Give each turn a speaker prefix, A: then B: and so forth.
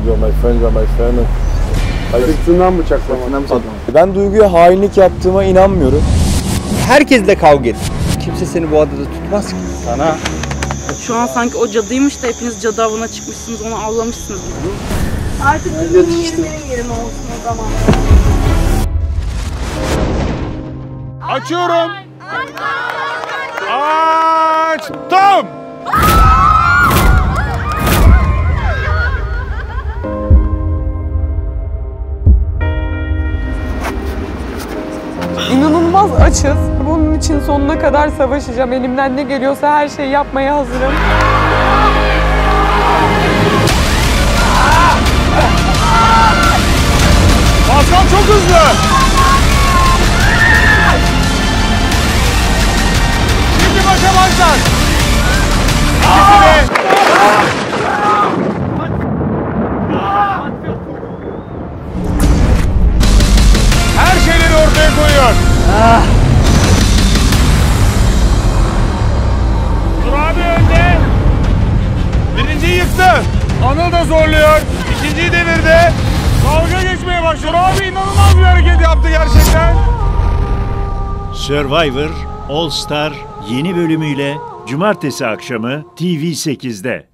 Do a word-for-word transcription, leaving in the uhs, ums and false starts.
A: You are my friend, you are my family.
B: Sırtından bıçaklama.
C: Ben Duygu'ya hainlik yaptığıma inanmıyorum.
D: Herkesle kavga et. Kimse seni bu adada tutmaz ki. Sana.
E: Şu an sanki o cadıymış da hepiniz cadı avına çıkmışsınız, onu avlamışsınız.
F: Artık benim yerim benim yerim olsun o zaman.
G: Açıyorum. Açtım.
H: İnanılmaz açız. Bunun için sonuna kadar savaşacağım. Elimden ne geliyorsa her şeyi yapmaya hazırım.
G: Pascal çok hızlı. Şimdi başa başlar. İkisi de. Her şeyleri ortaya koyuyor. Dur abi önde. Birinciyi yıktı. Anıl da zorluyor. İkinciyi devirdi. Dalga geçmeye başlıyor. Abi inanılmaz bir hareket yaptı gerçekten.
I: Survivor All Star yeni bölümüyle Cumartesi akşamı T V sekizde.